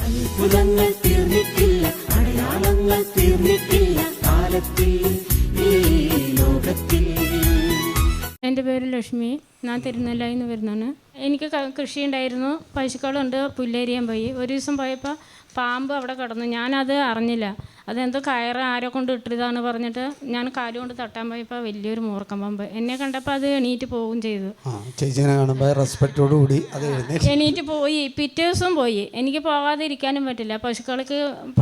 അത്ഭുതങ്ങൾ തീർന്നിട്ടില്ല, അടയാളങ്ങൾ തീർന്നിട്ടില്ല കാലത്തിൽ ഈ ലോകത്തിൽ. എൻ്റെ പേര് ലക്ഷ്മി, ഞാൻ തിരുനെല്ലായിൽ നിന്ന് വരുന്നതാണ്. എനിക്ക് കൃഷി ഉണ്ടായിരുന്നു, പശുക്കളുണ്ട്, പുല്ലേരിയാൻ പോയി. ഒരു ദിവസം പോയപ്പോൾ പാമ്പ് അവിടെ കിടന്നു. ഞാനത് അറിഞ്ഞില്ല. അതെന്തോ കയറ് ആരോ കൊണ്ട് ഇട്ടതാണ് പറഞ്ഞിട്ട് ഞാൻ കാലുകൊണ്ട് തട്ടാൻ പോയപ്പോൾ വലിയൊരു മൂർക്കം പാമ്പ് എന്നെ കണ്ടപ്പോൾ അത് എണീറ്റ് പോവുകയും ചെയ്തു. എണീറ്റ് പോയി. പിറ്റേ ദിവസം പോയി. എനിക്ക് പോകാതെ ഇരിക്കാനും പറ്റില്ല. പശുക്കൾക്ക്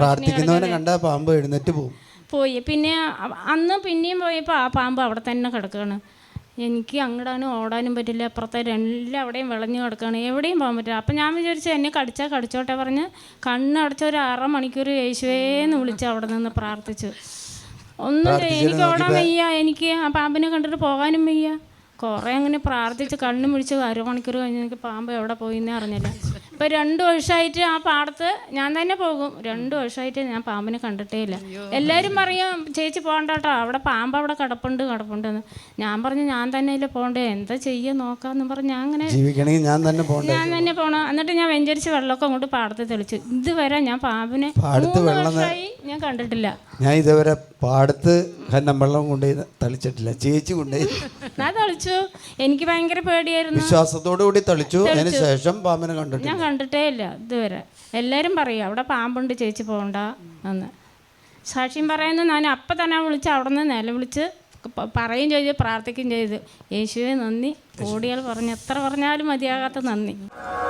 പോയി. പിന്നെ അന്ന് പിന്നെയും പോയപ്പോൾ ആ പാമ്പ് അവിടെ തന്നെ കിടക്കുകയാണ്. എനിക്ക് അങ്ങടാനും ഓടാനും പറ്റില്ല. അപ്പുറത്തെ എല്ലാം അവിടെയും വിളഞ്ഞു കിടക്കുകയാണ്, എവിടെയും പോകാൻ പറ്റില്ല. അപ്പം ഞാൻ വിചാരിച്ചു എന്നെ കടിച്ചാൽ കടിച്ചോട്ടെ പറഞ്ഞ് കണ്ണടച്ച ഒരു 6 മണിക്കൂർ യേശുവേന്ന് വിളിച്ച് അവിടെ നിന്ന് പ്രാർത്ഥിച്ചു. ഒന്നും എനിക്ക് ഓടാൻ വയ്യ, എനിക്ക് ആ പാമ്പിനെ കണ്ടിട്ട് പോകാനും വയ്യ. കുറേ അങ്ങനെ പ്രാർത്ഥിച്ച് കണ്ണും പിടിച്ച് 1 മണിക്കൂർ കഴിഞ്ഞ് എനിക്ക് പാമ്പ് എവിടെ പോയിന്നേ അറിഞ്ഞില്ല. ഇപ്പോൾ 2 വർഷമായിട്ട് ആ പാടത്ത് ഞാൻ തന്നെ പോകും. 2 വർഷമായിട്ട് ഞാൻ പാമ്പിനെ കണ്ടിട്ടേ ഇല്ല. എല്ലാവരും പറയും ചേച്ചി പോകണ്ട കേട്ടോ, അവിടെ പാമ്പ് അവിടെ കിടപ്പുണ്ടെന്ന്. ഞാൻ പറഞ്ഞു ഞാൻ തന്നെ ഇല്ല പോകണ്ടേ, എന്താ ചെയ്യുക നോക്കാമെന്ന് പറഞ്ഞ് ഞാൻ അങ്ങനെ ഞാൻ തന്നെ പോകണം. എന്നിട്ട് ഞാൻ വെഞ്ചരിച്ച് വെള്ളമൊക്കെ അങ്ങോട്ട് പാടത്ത് തെളിച്ചു. ഇതുവരെ ഞാൻ പാമ്പിനെ 3 വർഷമായി ഞാൻ കണ്ടിട്ടില്ല. ഞാൻ ഇതുവരെ പാടത്ത് വെള്ളം കൊണ്ടുപോയി തളിച്ചിട്ടില്ല. ചേച്ചി കൊണ്ടുപോയി ഞാൻ തളിച്ചു. എനിക്ക് ഭയങ്കര പേടിയായിരുന്നു. വിശ്വാസത്തോടു കൂടി തളിച്ചു. അതിന് ശേഷം പാമ്പിനെ ഞാൻ കണ്ടിട്ടേ ഇല്ല ഇതുവരെ. എല്ലാവരും പറയും അവിടെ പാമ്പുണ്ട് ചേച്ചി പോകണ്ട എന്ന്. സാക്ഷ്യം പറയുന്നത് ഞാൻ അപ്പം തന്നെ വിളിച്ച് അവിടെ നിന്ന് നിലവിളിച്ച് പറയുകയും ചെയ്തു, പ്രാർത്ഥിക്കുകയും ചെയ്തു. യേശുവേ നന്ദി. കോടികൾ പറഞ്ഞ് എത്ര പറഞ്ഞാലും മതിയാകാത്ത നന്ദി.